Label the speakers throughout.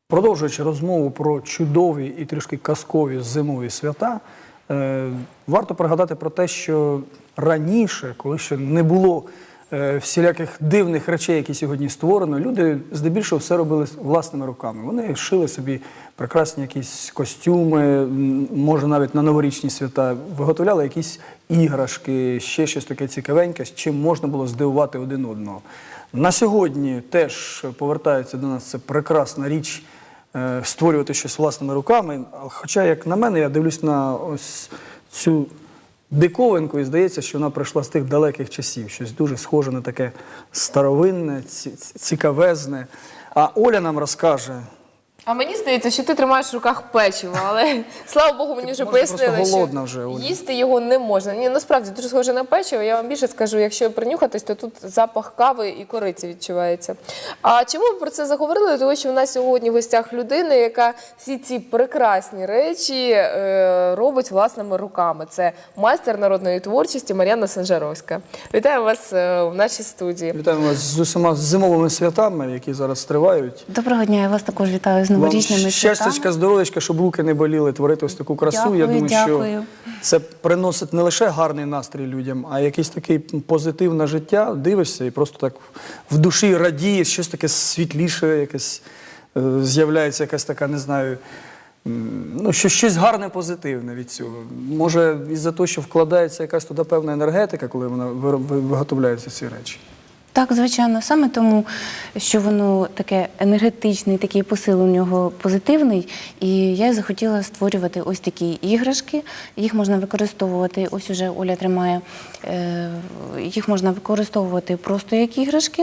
Speaker 1: Продовжуючи розмову про чудові і трішки казкові зимові свята, варто пригадати про те, що раніше, коли ще не було всіляких дивних речей, які сьогодні створено, люди здебільшого все робили власними руками. Вони шили собі прекрасні якісь костюми, може навіть на новорічні свята, виготовляли якісь іграшки, ще щось таке цікавеньке, з чим можна було здивувати один одного. На сьогодні теж повертається до нас це прекрасна річ створювати щось власними руками. Хоча, як на мене, я дивлюсь на ось цю диковинку і здається, що вона прийшла з тих далеких часів. Щось дуже схоже на таке старовинне, цікавезне. А Оля нам розкаже.
Speaker 2: А мені здається, що ти тримаєш в руках печиво, але, слава Богу, мені вже пояснили, що їсти його не можна. Ні, насправді, дуже схоже на печиво. Я вам більше скажу, якщо принюхатись, то тут запах кави і кориці відчувається. А чому ми про це заговорили? Тому що в нас сьогодні в гостях людина, яка всі ці прекрасні речі робить власними руками. Це майстер народної творчості Мар'яна Санжаровська. Вітаю вас в нашій студії.
Speaker 1: Вітаємо вас з усіма зимовими святами, які зараз тривають.
Speaker 3: Доброго дня, я вас також вітаю з новорічними святами.
Speaker 1: Щастячка, здоров'ячка, щоб руки не боліли, творити ось таку красу.
Speaker 3: Дякую,
Speaker 1: я думаю,
Speaker 3: дякую.
Speaker 1: що це приносить не лише гарний настрій людям, а якийсь такий позитив на життя. Дивишся і просто так в душі радієш, щось таке світліше, якесь з'являється якась така, не знаю, ну, щось гарне, позитивне від цього. Може, із-за того, що вкладається якась туди певна енергетика, коли вона виготовляються ці речі.
Speaker 3: Так, звичайно, саме тому, що воно таке енергетичне, такий посил у нього позитивний, і я захотіла створювати ось такі іграшки. Їх можна використовувати, ось уже Оля тримає, їх можна використовувати просто як іграшки.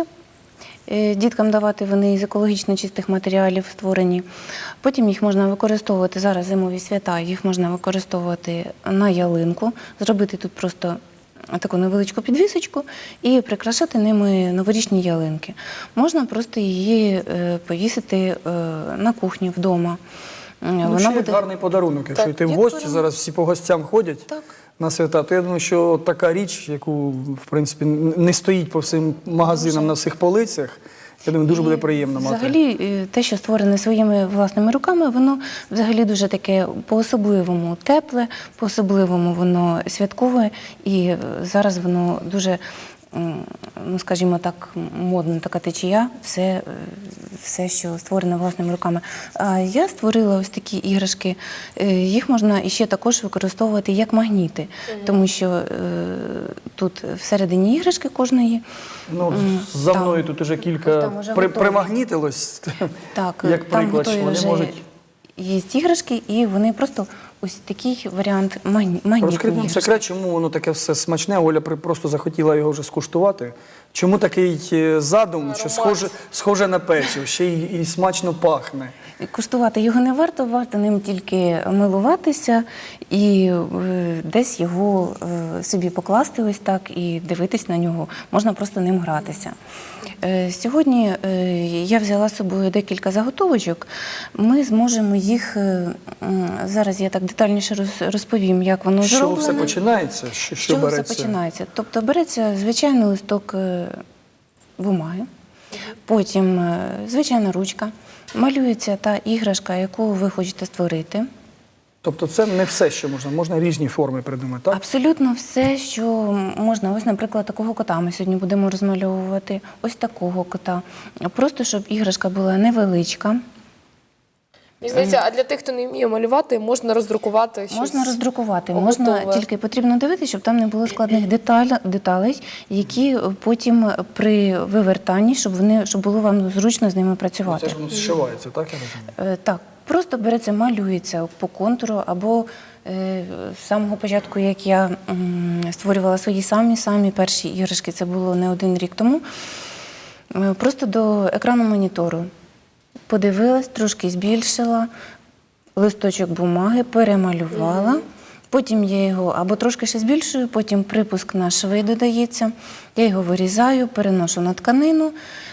Speaker 3: Діткам давати, вони з екологічно чистих матеріалів створені. Потім їх можна використовувати, зараз зимові свята, їх можна використовувати на ялинку, зробити тут просто таку невеличку підвісочку і прикрашати ними новорічні ялинки. Можна просто її повісити на кухні вдома.
Speaker 1: Ну, ще буде гарний подарунок. Якщо йти в гості, зараз всі по гостям ходять на свята, то я думаю, що така річ, яку, в принципі, не стоїть по всім магазинам на всіх полицях, я думаю, дуже буде приємно мати.
Speaker 3: Взагалі, те, що створене своїми власними руками, воно взагалі дуже таке по-особливому тепле, по-особливому воно святкове, і зараз воно дуже, ну, скажімо так, модна така течія, все, що створене власними руками. А я створила ось такі іграшки, їх можна іще також використовувати як магніти, тому що тут всередині іграшки кожної.
Speaker 1: Ну, за мною тут уже кілька примагнітилось, як приклад, що вони можуть...
Speaker 3: Є іграшки, і вони просто ось такий варіант магнітної іграшки.
Speaker 1: Розкрити нам секрет, чому воно таке все смачне, Оля просто захотіла його вже скуштувати. Чому такий задум, що схоже на печиво, ще й смачно пахне?
Speaker 3: Куштувати його не варто, варто ним тільки милуватися і десь його собі покласти ось так і дивитись на нього. Можна просто ним гратися. Сьогодні я взяла з собою декілька заготовочок. Ми зможемо їх, зараз я так детальніше розповім, як воно зроблено.
Speaker 1: З чого все починається? Що береться?
Speaker 3: Все починається? Тобто береться звичайний листок бумаги, потім звичайна ручка, малюється та іграшка, яку ви хочете створити.
Speaker 1: Тобто це не все, що можна? Можна різні форми придумати, так?
Speaker 3: Абсолютно все, що можна. Ось, наприклад, такого кота ми сьогодні будемо розмальовувати. Ось такого кота. Просто, щоб іграшка була невеличка.
Speaker 2: Мені здається, а для тих, хто не вміє малювати, можна роздрукувати щось?
Speaker 3: Можна роздрукувати. Можна, тільки потрібно дивитися, щоб там не було складних деталей, які потім при вивертанні, щоб було вам зручно з ними працювати.
Speaker 1: Це ж воно зшивається, так, я розумію?
Speaker 3: Так. Просто береться, малюється по контуру, або з самого початку, як я створювала свої самі перші іграшки, це було не один рік тому, просто до екрану монітору подивилась, трошки збільшила, листочок бумаги, перемалювала, потім я його або трошки ще збільшую, потім припуск на шви додається, я його вирізаю, переношу на тканину,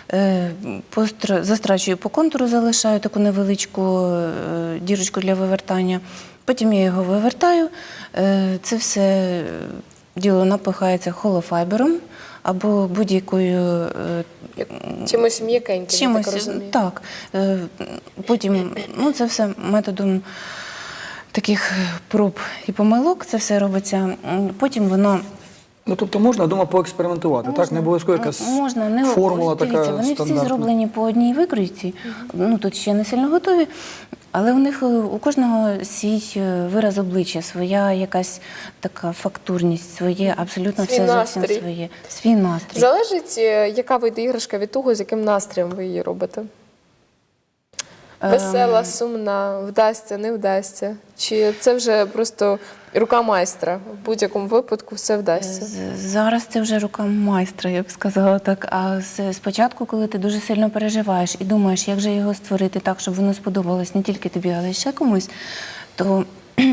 Speaker 3: застрачую по контуру, залишаю таку невеличку дірочку для вивертання, потім я його вивертаю, це все діло напихається холофайбером або будь-якою
Speaker 2: Чимось м'якеньким, я
Speaker 3: чимось.
Speaker 2: так розумію.
Speaker 3: Так. Потім, ну, це все методом таких проб і помилок, це все робиться. Потім воно
Speaker 1: Ну, тобто можна, думаю, поекспериментувати, так? Не обов'язково якась
Speaker 3: можна, не
Speaker 1: формула
Speaker 3: ось дивіться,
Speaker 1: така
Speaker 3: вони всі
Speaker 1: стандартна.
Speaker 3: зроблені по одній викройці. Ну, тут ще не сильно готові, але у них у кожного свій вираз обличчя, своя якась така фактурність, своє абсолютно
Speaker 2: Свій
Speaker 3: все зовсім
Speaker 2: настрій.
Speaker 3: своє. Свій настрій.
Speaker 2: Залежить, яка вийде іграшка від того, з яким настроєм ви її робите? Весела, сумна, вдасться, не вдасться? Чи це вже просто рука майстра? В будь-якому випадку все вдасться?
Speaker 3: Зараз це вже рука майстра, я б сказала так. А спочатку, коли ти дуже сильно переживаєш і думаєш, як же його створити так, щоб воно сподобалось не тільки тобі, але й ще комусь, то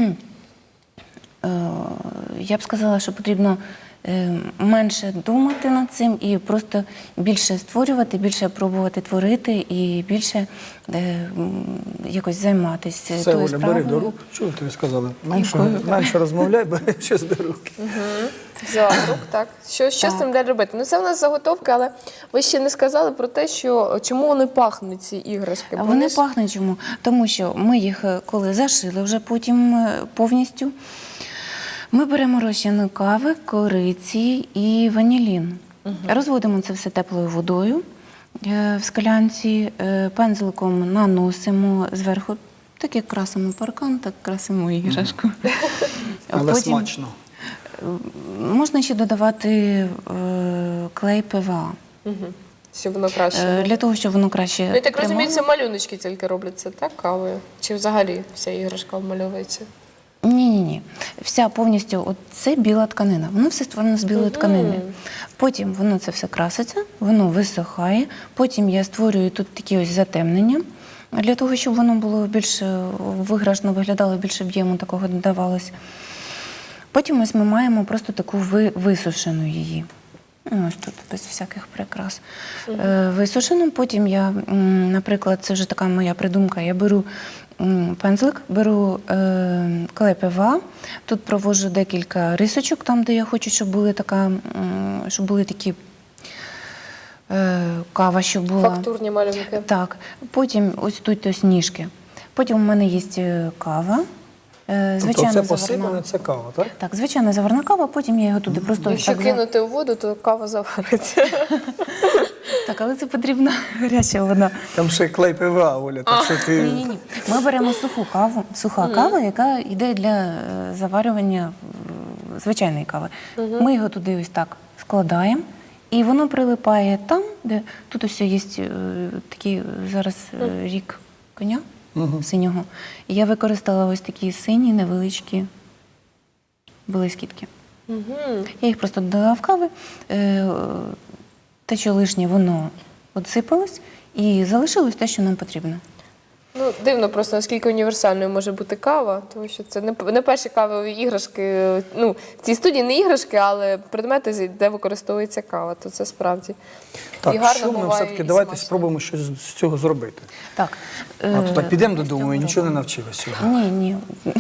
Speaker 3: я б сказала, що потрібно менше думати над цим і просто більше створювати, більше пробувати творити і більше якось займатися
Speaker 1: Все,
Speaker 3: тою
Speaker 1: Оля, бери
Speaker 3: справою.
Speaker 1: до рук. Чого тобі сказали? Менше розмовляй, бери щось до рук.
Speaker 2: Взяла в рук, так. Що з цим далі робити? Ну, це в нас заготовки, але ви ще не сказали про те, що чому вони пахнуть, ці іграшки.
Speaker 3: А вони пахнуть чому? Тому що ми їх, коли зашили вже потім повністю, ми беремо розчину кави, кориці і ванілін. Розводимо це все теплою водою в склянці, пензликом наносимо зверху, так як красимо паркан, так красимо іграшку.
Speaker 1: Але
Speaker 3: Потім
Speaker 1: смачно.
Speaker 3: можна ще додавати клей ПВА.
Speaker 2: Щоб воно краще.
Speaker 3: Для того, щоб воно краще
Speaker 2: Ну, я так
Speaker 3: тримало.
Speaker 2: розумію, це малюночки тільки робляться, так, кавою? Чи взагалі вся іграшка обмальовується?
Speaker 3: Ні. Вся повністю, от це біла тканина. Воно все створено з білої тканини. Потім воно це все краситься, воно висохає. Потім я створюю тут такі ось затемнення, для того, щоб воно було більш виграшно виглядало, більше об'єму такого додавалось. Потім ось ми маємо просто таку висушену її. Ось тут без всяких прикрас. Висушену. Потім я, наприклад, це вже така моя придумка, я беру пензлик, беру клей ПВА, тут проводжу декілька рисочок, там, де я хочу, щоб були такі кава, щоб була.
Speaker 2: Фактурні малюнки.
Speaker 3: Так. Потім ось тут ось ніжки. Потім у мене є кава.
Speaker 1: Тобто це
Speaker 3: заварна.
Speaker 1: посипане, це кава, так?
Speaker 3: Так, звичайна заварна кава, потім я його туди просто
Speaker 2: Якщо
Speaker 3: так
Speaker 2: кинути у воду, то кава завариться.
Speaker 3: Так, але це потрібна гаряча вода.
Speaker 1: Там ще клей ПВА, Оля, так що ти...
Speaker 3: Ні. Ми беремо суху каву, суха кава, яка йде для заварювання звичайної кави. Ми його туди ось так складаємо, і воно прилипає там, де тут ось є такий зараз рік коня синього. І я використала ось такі сині невеличкі блискітки. Я їх просто додала в кави. Те, що лишнє, воно відсипалось, і залишилось те, що нам потрібно.
Speaker 2: Ну, дивно просто, наскільки універсальною може бути кава, тому що це не перші кавові іграшки, ну, в цій студії не іграшки, але предмети, де використовується кава, то це справді.
Speaker 1: Так,
Speaker 2: і гарно
Speaker 1: що ми
Speaker 2: буває,
Speaker 1: все-таки
Speaker 2: і
Speaker 1: давайте
Speaker 2: смачно.
Speaker 1: спробуємо щось з цього зробити.
Speaker 3: Так.
Speaker 1: А то так підемо додому і нічого не навчилися сьогодні.
Speaker 3: Ні.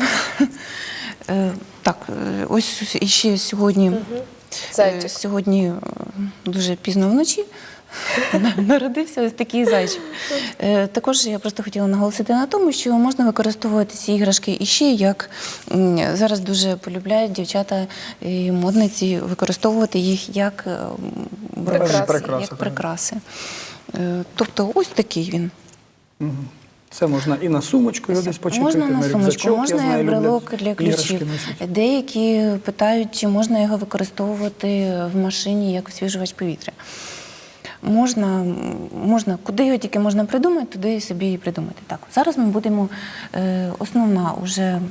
Speaker 3: Так, ось іще сьогодні,
Speaker 2: Зайчик.
Speaker 3: сьогодні дуже пізно вночі народився ось такий зайчик. Також я просто хотіла наголосити на тому, що можна використовувати ці іграшки іще, як зараз дуже полюбляють дівчата і модниці використовувати їх як прикраси. Тобто ось такий він.
Speaker 1: Це можна і на сумочку його десь почепити,
Speaker 3: Можна на сумочку,
Speaker 1: рюкзачок, я
Speaker 3: можна
Speaker 1: знаю,
Speaker 3: і брелок
Speaker 1: люблять
Speaker 3: для
Speaker 1: іграшки
Speaker 3: ключів.
Speaker 1: носити.
Speaker 3: Деякі питають, чи можна його використовувати в машині як освіжувач повітря. Можна, куди його тільки можна придумати, туди собі і придумати. Так, зараз ми будемо, основна вже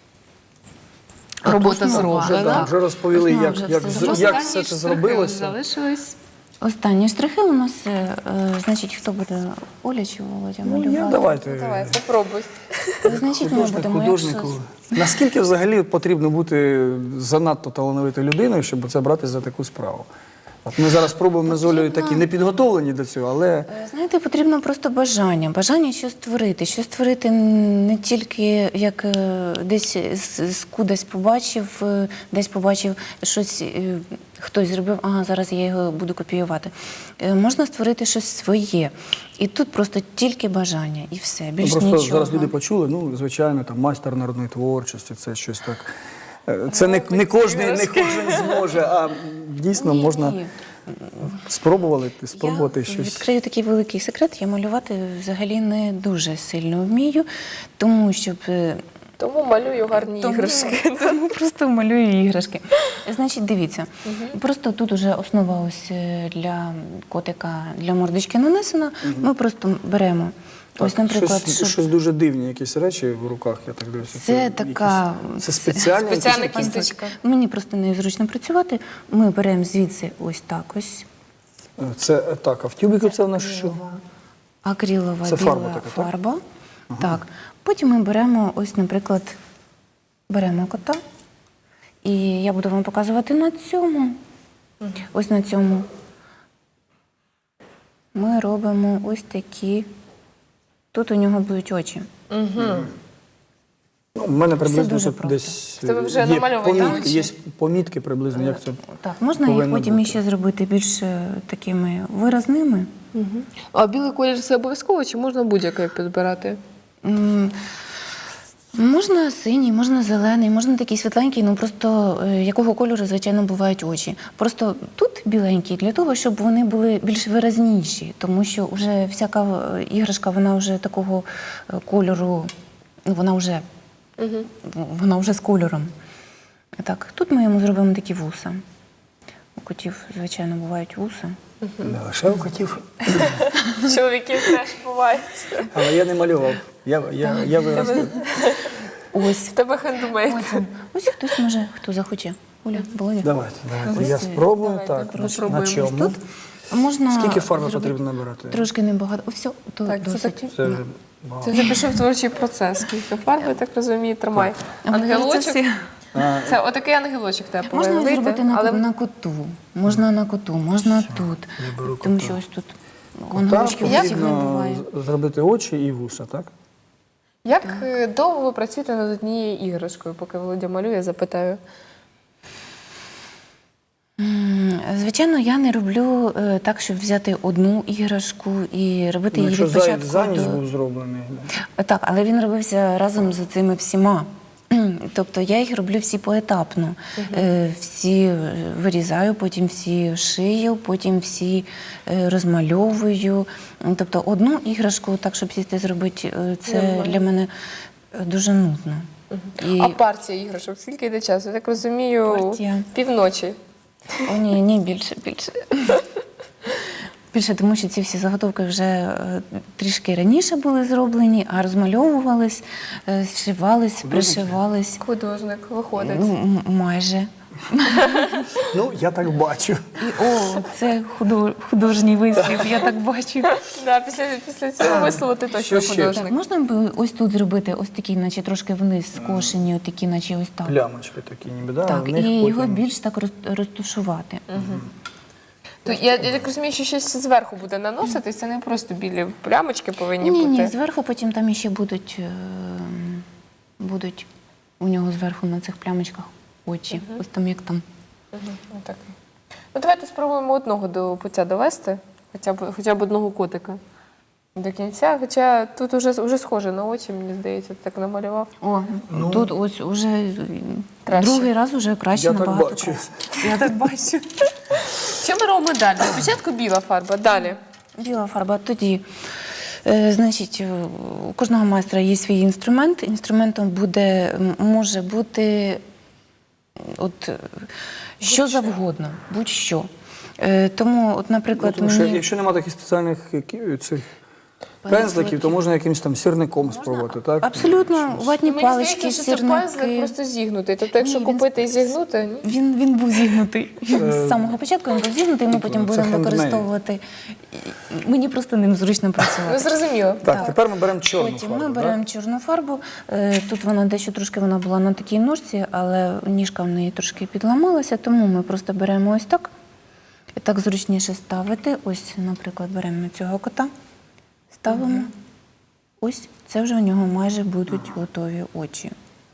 Speaker 4: Робота
Speaker 3: основа.
Speaker 4: зроблена.
Speaker 1: Вже розповіли,
Speaker 3: Основа
Speaker 1: як
Speaker 3: вже
Speaker 1: як все це зробилося.
Speaker 4: Залишилось.
Speaker 3: Останні штрихи у нас, значить, хто буде, Оля чи Володя малювати?
Speaker 1: Давайте.
Speaker 2: Давай, попробуй.
Speaker 3: Значить, ми будемо,
Speaker 1: Художнику. Наскільки взагалі потрібно бути занадто талановитою людиною, щоб це брати за таку справу? От ми зараз спробуємо з Олею такі не підготовлені до цього, але
Speaker 3: Знаєте, потрібно просто бажання. Бажання щось створити. Щось створити не тільки як десь кудись побачив, десь побачив щось, хтось зробив, ага, зараз я його буду копіювати. Можна створити щось своє. І тут просто тільки бажання, і все, більш
Speaker 1: просто
Speaker 3: нічого.
Speaker 1: зараз люди почули, ну, звичайно, там майстер народної творчості, це щось так. Це не кожен зможе, а дійсно
Speaker 3: Ні,
Speaker 1: можна
Speaker 3: ні.
Speaker 1: спробувати
Speaker 3: Я
Speaker 1: щось.
Speaker 3: відкрию такий великий секрет. Я малювати взагалі не дуже сильно вмію, тому щоб
Speaker 2: Тому малюю гарні іграшки.
Speaker 3: Тому просто малюю іграшки. Значить, дивіться, просто тут уже основа ось для котика, для мордочки нанесена. Ми просто беремо. Ось, наприклад,
Speaker 1: щось дуже дивні, якісь речі в руках, я так дивлюся.
Speaker 3: Це така
Speaker 1: Це спеціальна
Speaker 2: Спеціальна
Speaker 1: якісь-
Speaker 2: кісточка.
Speaker 3: Мені просто незручно працювати. Ми беремо звідси ось так ось.
Speaker 1: Це так, а в тюбіку це в нас що?
Speaker 3: Акрилова
Speaker 1: Це фарба
Speaker 3: біла
Speaker 1: така, так?
Speaker 3: фарба. Так. Потім ми беремо ось, наприклад, беремо кота. І я буду вам показувати на цьому. Ось на цьому. Ми робимо ось такі. Тут у нього будуть очі.
Speaker 1: Ну, у мене приблизно
Speaker 3: дуже
Speaker 1: тут
Speaker 3: просто.
Speaker 1: десь
Speaker 2: В тебе вже
Speaker 1: є
Speaker 2: намальовані
Speaker 1: помітки,
Speaker 2: очі?
Speaker 1: є помітки приблизно, як це
Speaker 3: Так, можна їх
Speaker 1: повинно
Speaker 3: потім
Speaker 1: бути.
Speaker 3: ще зробити більш такими виразними.
Speaker 2: А білий колір це обов'язково чи можна будь-який підбирати?
Speaker 3: М, Можна синій, можна зелений, можна такий світленький, ну просто якого кольору, звичайно, бувають очі. Просто тут біленький для того, щоб вони були більш виразніші, тому що вже всяка іграшка, вона вже такого кольору, ну вона вже з кольором. Так, тут ми йому зробимо такі вуса. У котів, звичайно, бувають вуса.
Speaker 1: не лише у котів.
Speaker 2: Чоловіків теж бувають.
Speaker 1: Але я не малював. Я виростив.
Speaker 3: Ось.
Speaker 2: В тебе хендмейд.
Speaker 3: Ось хтось може, хто захоче. Оля, Володя.
Speaker 1: Давайте.
Speaker 3: Ось
Speaker 1: Я
Speaker 3: це.
Speaker 1: спробую.
Speaker 2: Давайте,
Speaker 1: Так, на
Speaker 2: спробуємо.
Speaker 1: чому?
Speaker 3: Тут можна
Speaker 1: Скільки фарби
Speaker 3: зробити
Speaker 1: потрібно набирати?
Speaker 3: Трошки небагато. О, все, то
Speaker 2: Так, це
Speaker 3: досить.
Speaker 2: такі.
Speaker 1: Це вже багато.
Speaker 2: Ти вже пішов творчий процес. Скільки фарби, так розумію, тримай. Ангелочок. Це отакий ангелочок тебе
Speaker 3: Можна
Speaker 2: повинен вийти,
Speaker 3: зробити на коту. Можна на коту, можна тут.
Speaker 1: я беру
Speaker 3: Тому
Speaker 1: кота.
Speaker 3: що ось тут
Speaker 1: Кота
Speaker 3: ангелочків усіх не
Speaker 1: потрібно
Speaker 3: буває.
Speaker 1: зробити очі і вуса, так?
Speaker 2: Як довго ви працюєте над однією іграшкою? Поки Володя малює, запитаю.
Speaker 3: Звичайно, я не роблю так, щоб взяти одну іграшку і робити її
Speaker 1: Якщо
Speaker 3: від
Speaker 1: заяць
Speaker 3: початку
Speaker 1: за ніч
Speaker 3: до...
Speaker 1: був зроблений.
Speaker 3: Так, але він робився разом з цими всіма. Тобто я їх роблю всі поетапно. Всі вирізаю, потім всі шию, потім всі розмальовую. Тобто одну іграшку, так, щоб сісти зробити, це
Speaker 2: Нормально.
Speaker 3: для мене дуже нудно. І...
Speaker 2: А партія іграшок, скільки йде часу? Я так розумію,
Speaker 3: Партія.
Speaker 2: півночі.
Speaker 3: О, ні, більше. Більше, тому що ці всі заготовки вже трішки раніше були зроблені, а розмальовувались, зшивались, пришивались.
Speaker 2: Художник виходить.
Speaker 3: Ну, майже.
Speaker 1: Ну, я так бачу.
Speaker 3: І це художній вислів, я так бачу.
Speaker 2: Да, після цього вислову ти точно
Speaker 1: Що ще?
Speaker 3: Так,
Speaker 2: художник.
Speaker 3: можна б ось тут зробити ось такі, наче трошки вниз скошені, такі, наче ось так.
Speaker 1: Плямочки такі, ніби, да?
Speaker 3: Так,
Speaker 1: в них
Speaker 3: і його
Speaker 1: потім-
Speaker 3: більш так розтушувати.
Speaker 2: То я так розумію, що щось зверху буде наноситись, це не просто білі плямочки повинні
Speaker 3: Ні,
Speaker 2: бути.
Speaker 3: зверху потім там іще будуть у нього зверху на цих плямочках очі. Ось там як там.
Speaker 2: Отак. Ну, давайте спробуємо одного до пуття довести, хоча б одного котика до кінця. Хоча тут уже схоже на очі, мені здається, ти так намалював.
Speaker 3: О, тут ось уже
Speaker 2: Краще.
Speaker 3: другий раз уже краще,
Speaker 1: Я так
Speaker 3: набагато
Speaker 1: бачу.
Speaker 3: краще. Я так бачу.
Speaker 2: Що ми робимо далі? Спочатку біла фарба, далі.
Speaker 3: Біла фарба. Тоді, значить, у кожного майстра є свій інструмент. Інструментом може бути що завгодно, будь-що. Тому, от, наприклад,
Speaker 1: Тому що
Speaker 3: мені...
Speaker 1: якщо немає таких спеціальних цих пензликів, то можна якимось там сірником спробувати, так?
Speaker 3: Абсолютно, ватні
Speaker 2: Мені
Speaker 3: палички,
Speaker 2: здається, що це пензлик
Speaker 3: сірники.
Speaker 2: просто зігнутий. Тобто, якщо
Speaker 3: Ні, він
Speaker 2: купити і зігнути, ні?
Speaker 3: Він був зігнутий. З самого початку він був зігнутий, ми потім
Speaker 1: це
Speaker 3: будемо
Speaker 1: хендмейд.
Speaker 3: використовувати. Мені просто ним зручно
Speaker 2: Ну,
Speaker 3: працювати.
Speaker 2: зрозуміло.
Speaker 1: Так,
Speaker 3: Так.
Speaker 1: тепер ми беремо чорну
Speaker 3: Потім
Speaker 1: фарбу.
Speaker 3: ми
Speaker 1: так?
Speaker 3: беремо чорну фарбу. Тут вона дещо трошки вона була на такій ножці, але ніжка в неї трошки підламалася, тому ми просто беремо ось так І так зручніше ставити. Ось, наприклад, беремо цього кота, ставимо. Ось, це вже у нього майже будуть готові очі.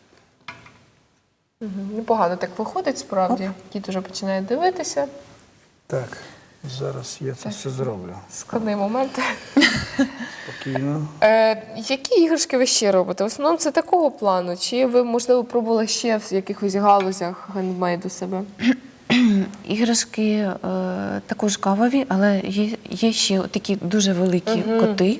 Speaker 2: Непогано так виходить, справді. Кіт уже починає дивитися.
Speaker 1: Так, зараз я це все зроблю.
Speaker 2: Складний момент.
Speaker 1: Спокійно.
Speaker 2: Які іграшки ви ще робите? В основному це такого плану? Чи ви, можливо, пробували ще в якихось галузях гендмейду себе?
Speaker 3: Іграшки також кавові, але є ще такі дуже великі коти.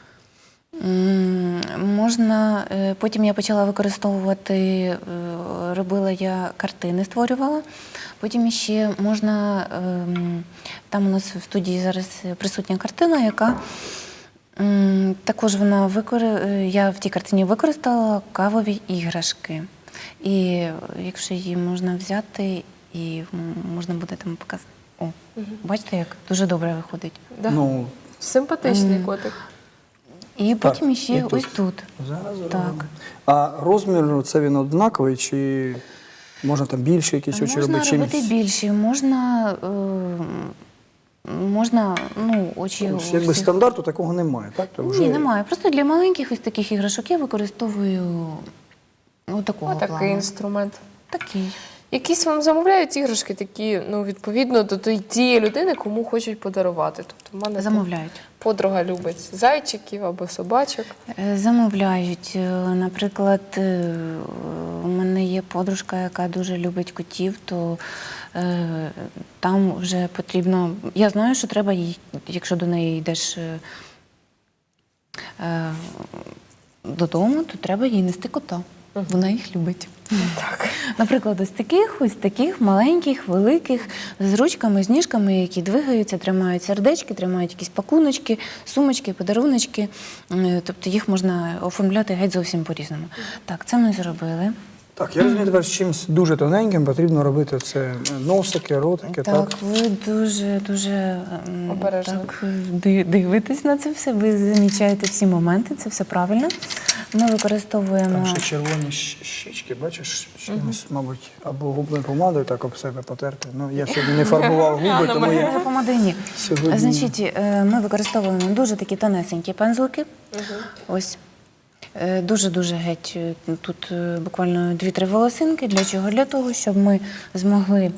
Speaker 3: Можна, потім я почала використовувати, робила я картини, створювала. Потім ще можна, там у нас в студії зараз присутня картина, яка також я в тій картині використала кавові іграшки. І якщо її можна взяти, і можна буде там показати. О, бачите, як дуже добре виходить.
Speaker 2: Да.
Speaker 1: Ну,
Speaker 2: Симпатичний котик.
Speaker 3: І потім
Speaker 1: і
Speaker 3: ще
Speaker 1: тут.
Speaker 3: ось тут.
Speaker 1: Зараз
Speaker 3: Так.
Speaker 1: зробимо. А розмір, це він однаковий, чи можна там більше якісь очі
Speaker 3: Можна
Speaker 1: робити?
Speaker 3: робити більше, можна очі у
Speaker 1: Якби
Speaker 3: всіх.
Speaker 1: стандарту такого немає, так? То вже...
Speaker 3: Ні, немає. Просто для маленьких ось таких іграшок я використовую такого
Speaker 2: Отакий
Speaker 3: плану.
Speaker 2: інструмент.
Speaker 3: Такий.
Speaker 2: Якісь вам замовляють іграшки такі, відповідно до тієї людини, кому хочуть подарувати. Тобто в мене там
Speaker 3: Замовляють.
Speaker 2: подруга любить зайчиків або собачок.
Speaker 3: Замовляють. Наприклад, у мене є подружка, яка дуже любить котів, то там вже потрібно. Я знаю, що треба їй, якщо до неї йдеш додому, то треба їй нести кота. Вона їх любить.
Speaker 2: Так.
Speaker 3: Наприклад, ось таких маленьких, великих, з ручками, з ніжками, які двигаються, тримають сердечки, тримають якісь пакуночки, сумочки, подаруночки. Тобто їх можна оформляти геть зовсім по-різному. Так, це ми зробили.
Speaker 1: Так, я розумію, тепер з чимось дуже тоненьким потрібно робити це носики, ротики, так?
Speaker 3: Так, ви дуже
Speaker 2: Обережно.
Speaker 3: так, дивитесь на це все, ви замічаєте всі моменти, це все правильно. Ми використовуємо...
Speaker 1: Там ще червоні щічки, бачиш, чимось, мабуть, або губною помадою так об себе потерти. Ну, я сьогодні не фарбував губи, тому я
Speaker 3: Помади ні.
Speaker 1: сьогодні...
Speaker 3: Значить, ми використовуємо дуже такі тонесенькі пензлики. Ось. Дуже-дуже геть. Тут буквально 2-3 волосинки. Для чого? Для того, щоб ми змогли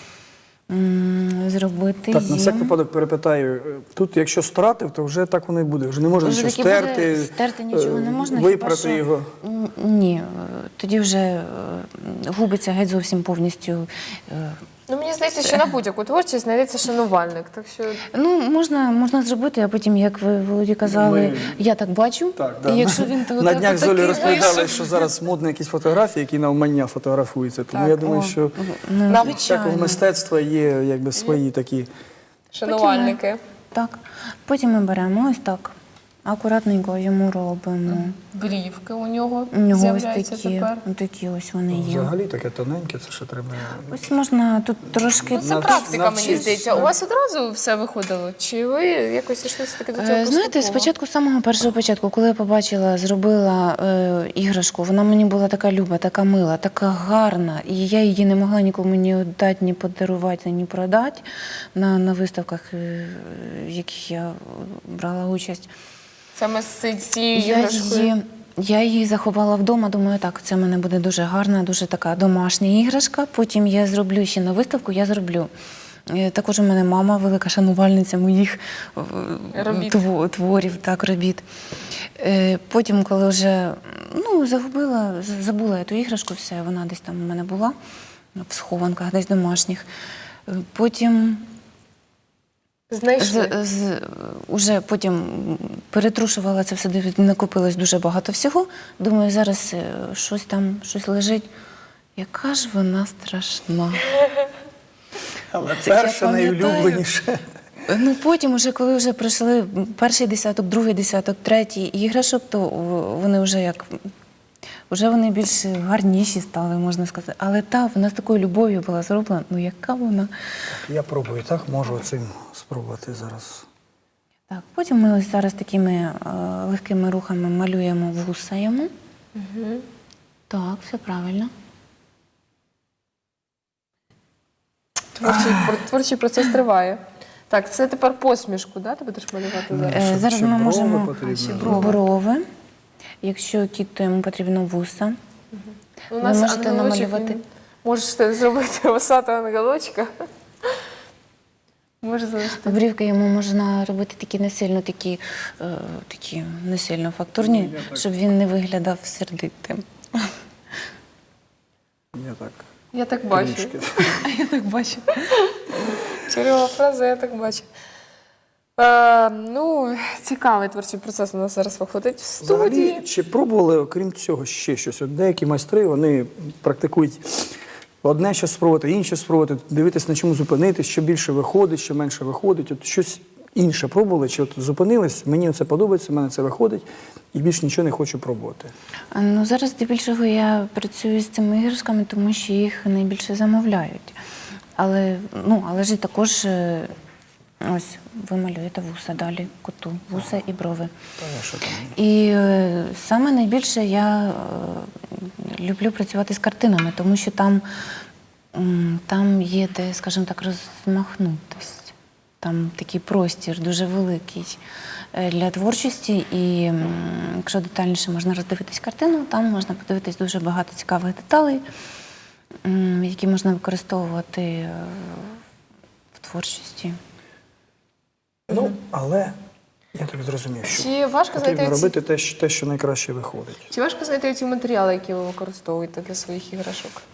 Speaker 3: зробити
Speaker 1: Так, на всяк
Speaker 3: їм.
Speaker 1: випадок перепитаю, тут якщо стратив, то вже так воно і буде. Вже не можна
Speaker 3: Вже
Speaker 1: нічого
Speaker 3: таки буде,
Speaker 1: стерти,
Speaker 3: стерти нічого не можна,
Speaker 1: випрати
Speaker 3: хіба що-
Speaker 1: його.
Speaker 3: Ні, тоді вже губиться геть зовсім повністю.
Speaker 2: Мені здається, що на будь-яку творчість знайдеться шанувальник. Так що
Speaker 3: Можна зробити, а потім, як ви, Володі, казали,
Speaker 1: Ми-
Speaker 3: я так бачу,
Speaker 1: Так,
Speaker 3: і якщо він то
Speaker 1: на днях з Олею
Speaker 3: такий
Speaker 1: розповідали,
Speaker 3: вийшов.
Speaker 1: що зараз модні якісь фотографії, які навмання фотографуються. Тому я думаю, що
Speaker 2: нам
Speaker 1: всякого мистецтва є якби свої такі.
Speaker 2: шанувальники.
Speaker 3: Так, потім ми беремо ось так, акуратненько йому робимо.
Speaker 2: Брівки у нього
Speaker 3: У нього ось
Speaker 2: з'являються тепер.
Speaker 3: такі ось вони є.
Speaker 1: Взагалі таке тоненьке, це ще треба.
Speaker 3: Ось можна тут трошки...
Speaker 2: Це практика, мені
Speaker 1: навчись.
Speaker 2: здається. У вас одразу все виходило? Чи ви якось йшли все-таки до цього
Speaker 3: Знаєте,
Speaker 2: поступово?
Speaker 3: спочатку, з самого першого початку, коли я побачила, зробила іграшку, вона мені була така люба, така мила, така гарна, і я її не могла нікому ні віддати, ні подарувати, ні продати на виставках, в яких я брала участь.
Speaker 2: Саме з цією іграшкою?
Speaker 3: Я її заховала вдома, думаю, так, це в мене буде дуже гарна, дуже така домашня іграшка. Потім я зроблю ще на виставку, я зроблю. Також у мене мама велика шанувальниця моїх
Speaker 2: Робіт.
Speaker 3: творів, так, робіт. Потім, коли вже забула я ту іграшку, все, вона десь там у мене була, в схованках, десь домашніх. Потім...
Speaker 2: Знайшли?
Speaker 3: Уже потім перетрушувала це все, накопилось дуже багато всього. Думаю, зараз щось лежить. Яка ж вона страшна.
Speaker 1: Але
Speaker 3: Це я
Speaker 1: перше
Speaker 3: пам'ятаю.
Speaker 1: найулюбленіше.
Speaker 3: Потім, коли вже пройшли перший десяток, другий десяток, третій іграшок, то вони вже вони більш гарніші стали, можна сказати. Але вона з такою любов'ю була зроблена. Ну яка вона?
Speaker 1: Я пробую, так? Можу цим спробувати зараз.
Speaker 3: Так, потім ми ось зараз такими легкими рухами малюємо вуса йому. Так, все правильно.
Speaker 2: творчий процес триває. Так, це тепер посмішку, да? Ти будеш малювати зараз?
Speaker 3: Зараз
Speaker 1: ще
Speaker 3: ми
Speaker 1: брови
Speaker 3: можемо
Speaker 1: потрібно.
Speaker 3: брови. Якщо кіт, то йому потрібно вуса.
Speaker 2: У
Speaker 3: Ви
Speaker 2: нас
Speaker 3: можете
Speaker 2: ангелочок,
Speaker 3: намалювати.
Speaker 2: можеш ти зробити вусатого ангелочка. Може залишити.
Speaker 3: Брівки йому можна робити такі не сильно фактурні, щоб він не виглядав сердитим.
Speaker 1: Я так.
Speaker 2: Я так бачу.
Speaker 1: Трішки.
Speaker 3: Я так бачу.
Speaker 2: Чергова фраза, я так бачу. Цікавий творчий процес у нас зараз виходить в студії.
Speaker 1: Взагалі, чи пробували, окрім цього, ще щось? От деякі майстри, вони практикують одне щось спробувати, інше спробувати, дивитись, на чому зупинитись, що більше виходить, що менше виходить. От щось інше пробували, чи от зупинились, мені це подобається, в мене це виходить, і більше нічого не хочу пробувати.
Speaker 3: Ну, зараз здебільшого я працюю з цими іграшками, тому що їх найбільше замовляють. Але ж і також ось ви малюєте вуса далі, коту, вуса і брови.
Speaker 1: Що там?
Speaker 3: І саме найбільше я люблю працювати з картинами, тому що там є де, скажімо так, розмахнутись. Там такий простір дуже великий для творчості, і якщо детальніше можна роздивитись картину, там можна подивитись дуже багато цікавих деталей, які можна використовувати в творчості.
Speaker 1: Ну, але я так зрозумів, що
Speaker 2: Чи важко
Speaker 1: потрібно
Speaker 2: знайти
Speaker 1: робити те, що найкраще виходить.
Speaker 2: Чи важко знайти ці матеріали, які ви використовуєте для своїх іграшок?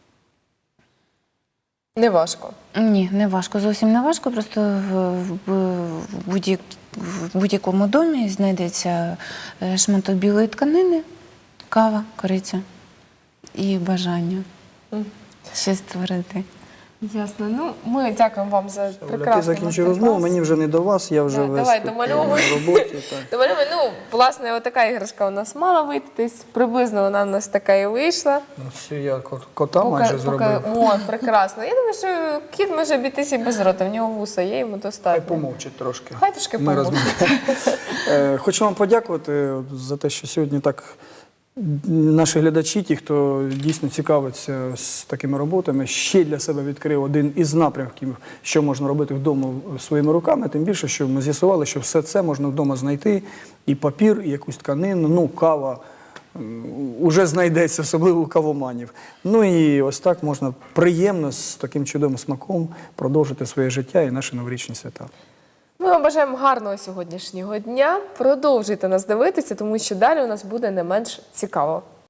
Speaker 2: Не важко.
Speaker 3: Ні, не важко, зовсім не важко. Просто в будь-якому домі знайдеться шматок білої тканини, кава, кориця і бажання щось створити.
Speaker 2: Ясно. Ну, ми дякуємо вам за
Speaker 1: Оля,
Speaker 2: прекрасний
Speaker 1: ти закінчив
Speaker 2: мастер-клас.
Speaker 1: розмову, мені вже не до вас, я вже весь
Speaker 2: давай,
Speaker 1: тут,
Speaker 2: домальовуй.
Speaker 1: в роботі. Так.
Speaker 2: Домальовуй. Власне, отака іграшка у нас мала вийти десь. Приблизно вона у нас така і вийшла.
Speaker 1: Ну, все, я кота майже зробив.
Speaker 2: О, прекрасно. Я думаю, що кіт може обійтися і без рота. В нього вуса є, йому
Speaker 1: Хай
Speaker 2: достатньо.
Speaker 1: помовчить трошки.
Speaker 2: Хай трошки
Speaker 1: Ми
Speaker 2: помовчить.
Speaker 1: розмовляємо. Хочу вам подякувати за те, що сьогодні так наші глядачі, ті, хто дійсно цікавиться з такими роботами, ще для себе відкрив один із напрямків, що можна робити вдома своїми руками. Тим більше, що ми з'ясували, що все це можна вдома знайти. І папір, і якусь тканину, кава уже знайдеться, особливо у кавоманів. Ну і ось так можна приємно, з таким чудовим смаком продовжити своє життя і наші новорічні свята.
Speaker 2: Ми вам бажаємо гарного сьогоднішнього дня. Продовжуйте нас дивитися, тому що далі у нас буде не менш цікаво.